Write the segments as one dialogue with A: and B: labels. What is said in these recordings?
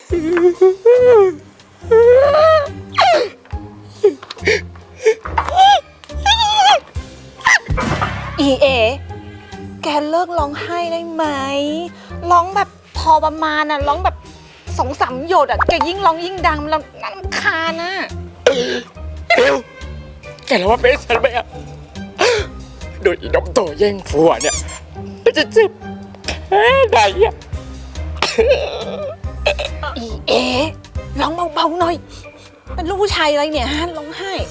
A: อีเอแกเลิกร้องไห้ได้ไหมร้องแบบพอประมาณน่ะร้องแบบ2-3 หยดอ่ะแกยิ่งร้องยิ่งดังมันรำคาญน่ะ
B: เร็วแกรู้ว่าเป็นฉันไหมอะโดยอีน้องโตแย่งผัวเนี่ยมันจะเจ็บแค่ไหนอะ
A: อีเอร้องเบาๆหน่อยเป็นลูกผู้ชายอะไรเนี่ยฮะร้องไห้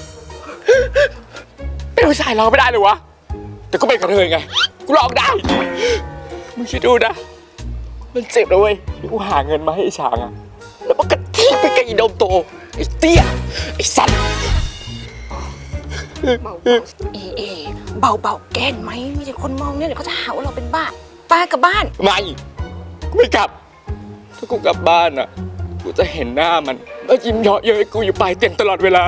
B: เป็นผู้ชายร้องไม่ได้เลยวะแต่ก็เป็นกระเทยไงกูร้องได้มึงคิดดูนะมันเจ็บนะเว้ยกูหาเงินมาให้ไอ้ช้างอะแล้วมันกระทิไปกับอีน้องโตไอ้เตี้ยไอ้สัตว์
A: เอเบาๆแกนไหมมีแต่คนมองเนี่ยเดี๋ยวเขาจะหาว่าเราเป็นบ้าป้ากลับบ้าน
B: ไม่กลับถ้ากูกลับบ้านอะกูจะเห็นหน้ามันแล้วยิ้มเยาะเย้ยกูอยู่ปลายเตียงตลอดเวลา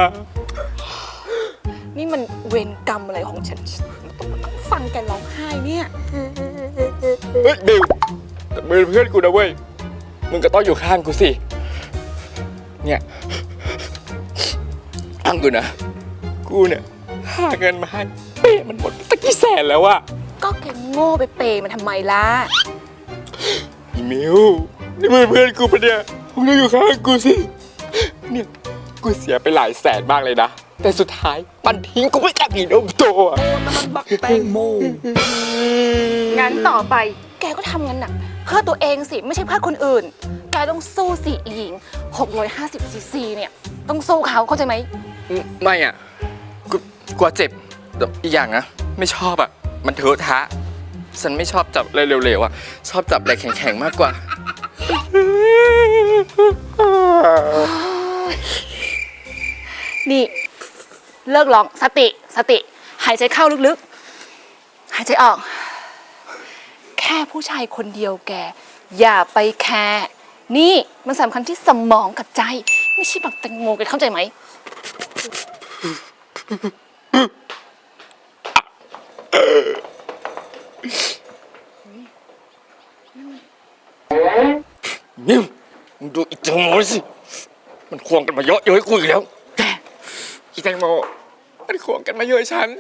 A: นี่มันเวรกรรมอะไรของฉันต้องฟังแกร้องไห้เนี่ย
B: เฮ้ยบิวแต่มึงเป็นเพื่อนกูนะเว้ยมึงก็ต้องอยู่ข้างกูสิเนี่ยอ้างกูนะกูเนี่ยหาเงินมาให้เป้มันหมดตั้งกี่แสนแล้วอะ
A: ก็แกโง่ไปเปย์มันทำไมล่ะ
B: อีมิวนี่มึงเป็นเพื่อนกูปะเนี่ยมึงต้องอยู่ข้างกูสิเนี่ยกูเสียไปหลายแสนมากเลยนะแต่สุดท้ายมันทิ้งกูไม่จากอีนมโตอะ
C: มันบักแตงโม
A: งั้นต่อไปแกก็ทำงานหนักเพื่อตัวเองสิไม่ใช่เพื่อคนอื่นแกต้องสู้สิอีหญิง650 ซีซีเนี่ยต้องสู้เขาเข้าใจไหม
B: ไม่อ่ะกูกลัวเจ็บอีกอย่างนะไม่ชอบอ่ะมันเถอะทะฉันไม่ชอบจับอะไรเร็วๆอ่ะชอบจับอะไรแข็งๆมากกว่า
A: นี่เลิกร้องสติหายใจเข้าลึกๆหายใจออกแค่ผู้ชายคนเดียวแกอย่าไปแคร์นี่มันสำคัญที่สมองกับใจไม่ใช่แบบแตงโมแกเข้าใจไหม
B: นิ่มมึงดูอีแตงโมสิมันควงกันมาเยอะเย้ยกูอีกแล้วแกอีแตงโมมันควงกันมาเยอะฉัน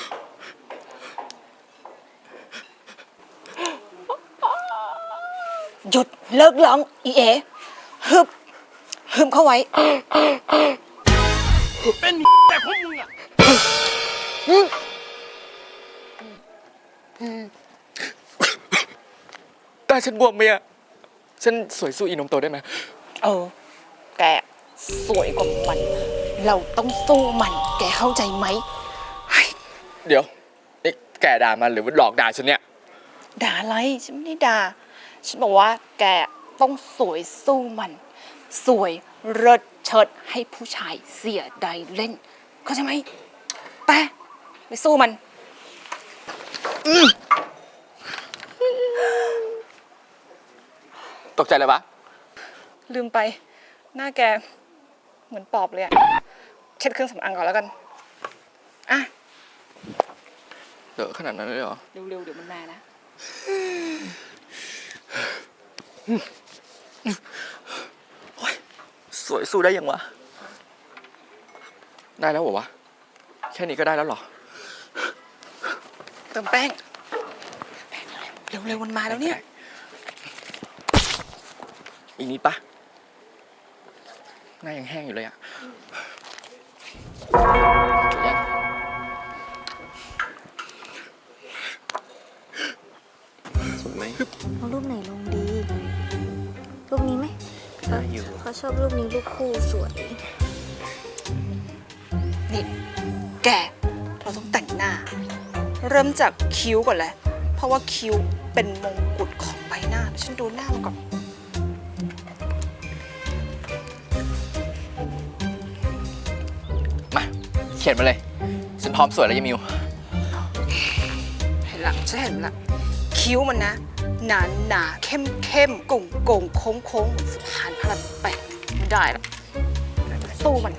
A: หยุดเลิกร้องอีเอฮึมเข้าไว้
C: เป็นแต่พวกมึงอะ
B: ตาฉันบวมไหมอะฉันสวยสู้อีนมโตได้ไหม
A: แกสวยกว่ามันเราต้องสู้มันแกเข้าใจไหม
B: เดี๋ยวนี่แกด่ามันหรือว่าหลอกด่าฉันเนี่ย
A: ด่าอะไรฉันไม่ได้ด่าฉันบอกว่าแกต้องสวยสู้มันสวยเลิศเชิดให้ผู้ชายเสียดายเล่นเข้าใจไหมไปสู้มัน
B: ตกใจเลยปะ
A: ลืมไปหน้าแกเหมือนปอบเลยอะเช็ดเครื่องสำอางก่อนแล้วกันอ่ะ
B: เดอะขนาดนั้นเลยเหรอ
A: เร็วๆเดี๋ยวมันมานะ
B: สวยสู้ได้ยังวะได้แล้วเหรอวะแค่นี้ก็ได้แล้วเหรอ
A: เติมแป้งเร็วๆมันมาแล้วเนี่ย
B: อีกนิดปะหน้ายังแห้งอยู่เลยอะสวยไหม
D: เอารูปไหนลงดีรูปนี้ไหม
B: ได้อยู่
D: เขาชอบรูปนี้รูปคู่สวย
A: นี่แกเราต้องแต่งหน้าเริ่มจากคิ้วก่อนเลยเพราะว่าคิ้วเป็นมงกุฎของใบหน้าฉันดูหน้ามันก่อน
B: มาเขียนมาเลยฉันพร้อมสวยแล้วยายมิว
A: เห็นละฉันเห็นละคิ้วมันนะหนาเข้มโก่งโค้งเหมือนสะพานพระราม8ไม่ได้ละสู้มัน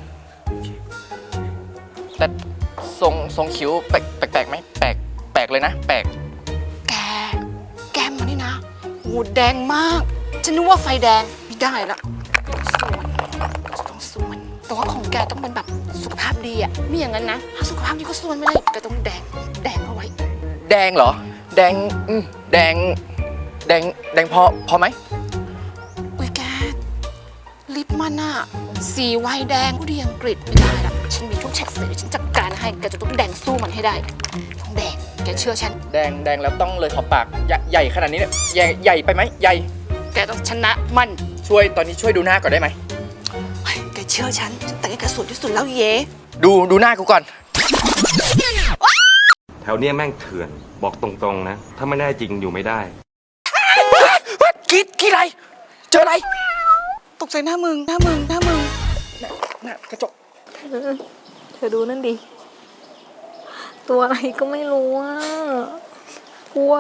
B: แต่ทรงคิ้วแปลกไหมแปลกเลยนะแปลก
A: แกมมันนี่นะหูแดงมากฉันนึกว่าไฟแดงไม่ได้ละต้องส่วนแต่ว่าของแกต้องเป็นแบบสุขภาพดีอะไม่อย่างนั้นนะถ้าสุขภาพดีก็ส่วนไม่ได้แกต้องแดงเอาไว้
B: แดงเหรอ แดงแดงพอไหม
A: อุ้ยแกลิปมันอะสีไวน์แดงผู้ดีอังกฤษไม่ได้ละฉันมีทุกเฉดสีฉันจัดการให้แกจะต้องแดงสู้มันให้ได้ต้องแดงแกเชื่อฉัน
B: แดงแล้วต้องเลยขอบปากใหญ่ขนาดนี้เนี่ยใหญ่ไปไหมใหญ่
A: แกต้องชนะมัน
B: ตอนนี้ช่วยดูหน้าก่อนได้ไหม
A: เฮ้ยแกเชื่อฉันแต่งให้แกสวยที่สุดแล้วเย่
B: ดูหน้ากูก่อน
E: แถวเนี้ยแม่งเถื่อนบอกตรงๆนะ ถ้าไม่ได้จริงอยู่ไม่ได้
B: คิดอะไร เจออะไร
A: ตกใจหน้ามึง
B: หน้ากระจก
D: เธอดูนั่นดิ ตัวอะไรก็ไม่รู้อ่ะ กลัว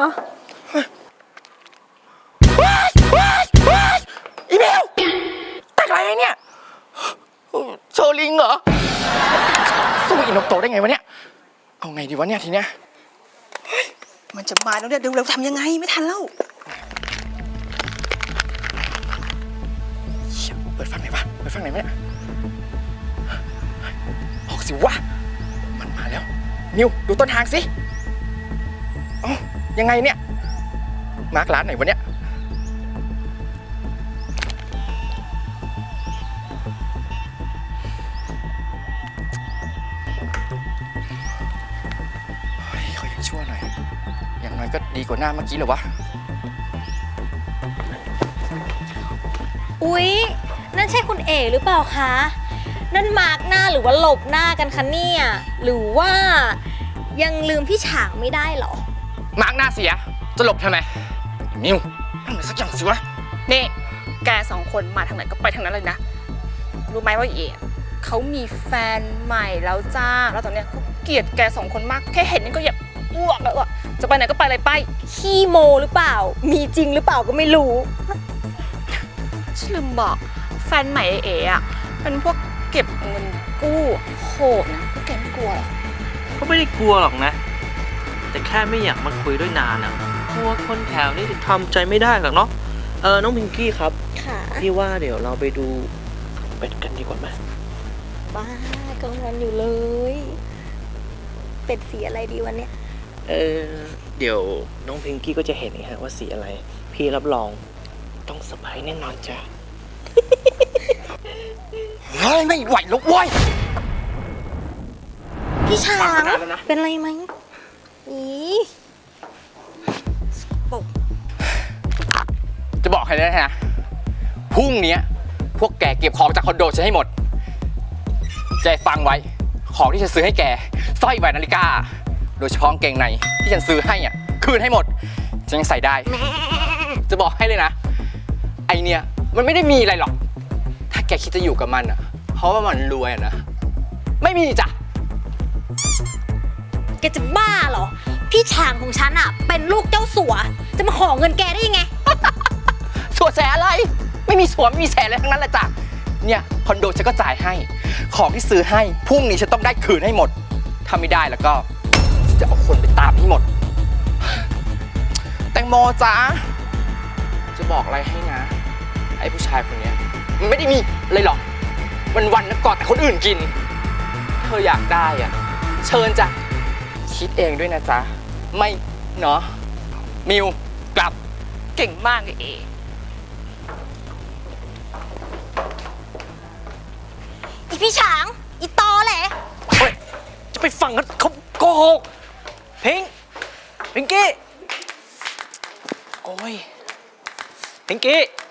B: อีเมลแต่งอะไรเนี่ยโชว์ลิงเหรอสู้อินกโตได้ไงวะเนี่ย เอาไงดีวะเนี่ยทีเนี้ย
A: มันจะมาแล้วเนี่ยเร็วๆทำยังไงไม่ทันแล้ว
B: เชี่ยเปิดฟังไหนวะเปิดฟังไหนวะเนี่ยออกสิวะมันมาแล้วนิวดูต้นทางสิเอ้ายังไงเนี่ยมาร์คร้านไหนวะเนี่ยเฮ้ยเขายังชั่วหน่อยอย่างน้อยก็ดีกว่าหน้าเมื่อกี้เหรอวะ
F: อุ๊ย นั่นใช่คุณเอ๋หรือเปล่าคะ นั่นมาร์กหน้าหรือว่าหลบหน้ากันคะเนี่ย หรือว่ายังลืมพี่ฉางไม่ได้เหรอ
B: มาร์กหน้าเสียจะหลบทำไมนิวทำอะไรสักอย่างสิวะ
A: นี่แกสองคนมาทางไหนก็ไปทางนั้นเลยนะ รู้ไหมว่าเอ๋เขามีแฟนใหม่แล้วจ้า แล้วตอนเนี้ยเขาเกลียดแกสองคนมาก แค่เห็นนี่ก็อยากอ้วกแล้วอะจะไปไหนก็ไปเลยไป
F: ขี้โมหรือเปล่า มีจริงหรือเปล่าก็ไม่รู้
A: ฉันลืมบอกแฟนใหม่เอ๋อะเป็นพวกเก็บเงินกู้โหดนะพวกแกไม่กลัวหรอ
C: ก็ไม่ได้กลัวหรอกนะ แต่แค่ไม่อยากมาคุยด้วยนานอ่ะเพราะว่าคนแถวนี้ทำใจไม่ได้หรอกเนาะ น้องพิงกี้ครับ
F: ค่ะ
C: พี่ว่าเดี๋ยวเราไปดูเป็ดกันดีกว่าไหม
F: บ้ากลางวันอยู่เลย เป็ดสีอะไรดีวันเนี้ย
C: เดี๋ยวน้องพิงกี้ก็จะเห็นเองฮะว่าสีอะไร พี่รับรองต้องเซอร์ไพรส์แน่นอนจ้ะ
B: เฮ้ยไม่ไหวแล้วเว้ย
F: พี่ฉาง
B: ฟังมานานแล้วนะ
F: เป็นไรไหมอี
B: จะบอกให้นะพรุ่งนี้พวกแกเก็บของจากคอนโดฉันให้หมดใจฟังไว้ของที่ฉันซื้อให้แกสร้อยแหวนนาฬิกา โดยเฉพาะกางเกงในที่ฉันซื้อให้อ่ะคืนให้หมดฉันยังใส่ได้ จะบอกให้เลยนะ ไอเนี่ยมันไม่ได้มีอะไรหรอก ถ้าแกคิดจะอยู่กับมันอ่ะเพราะว่ามันรวยอะนะไม่มีจ้ะ
F: แกจะบ้าเหรอ พี่ฉางของฉันอะเป็นลูกเจ้าสัว จะมาขอเงินแกได้ยังไง
B: สวดแสอะไรไม่มีสวมไม่มีแสอะไรทั้งนั้นแหละจ้ะเนี่ยคอนโดฉันก็จ่ายให้ของที่ซื้อให้พรุ่งนี้ฉันต้องได้คืนให้หมดถ้าไม่ได้แล้วก็ฉันจะเอาคนไปตามให้หมด แตงโมจ้าจะบอกอะไรให้นะไอ้ผู้ชายคนเนี้ยมันไม่ได้มีอะไรหรอกวันๆนะกอดแต่คนอื่นกินเธออยากได้อ่ะเชิญจ้ะคิดเองด้วยนะจ๊ะไม่เนาะมิวกลับ
A: เก่งมากเลยเอ๋
F: อีพี่ฉาง อีตอแหละ
C: เฮ้ย จะไปฟังกันเขาโกหกพิงกี้
B: โอ้ย
C: พิงกี้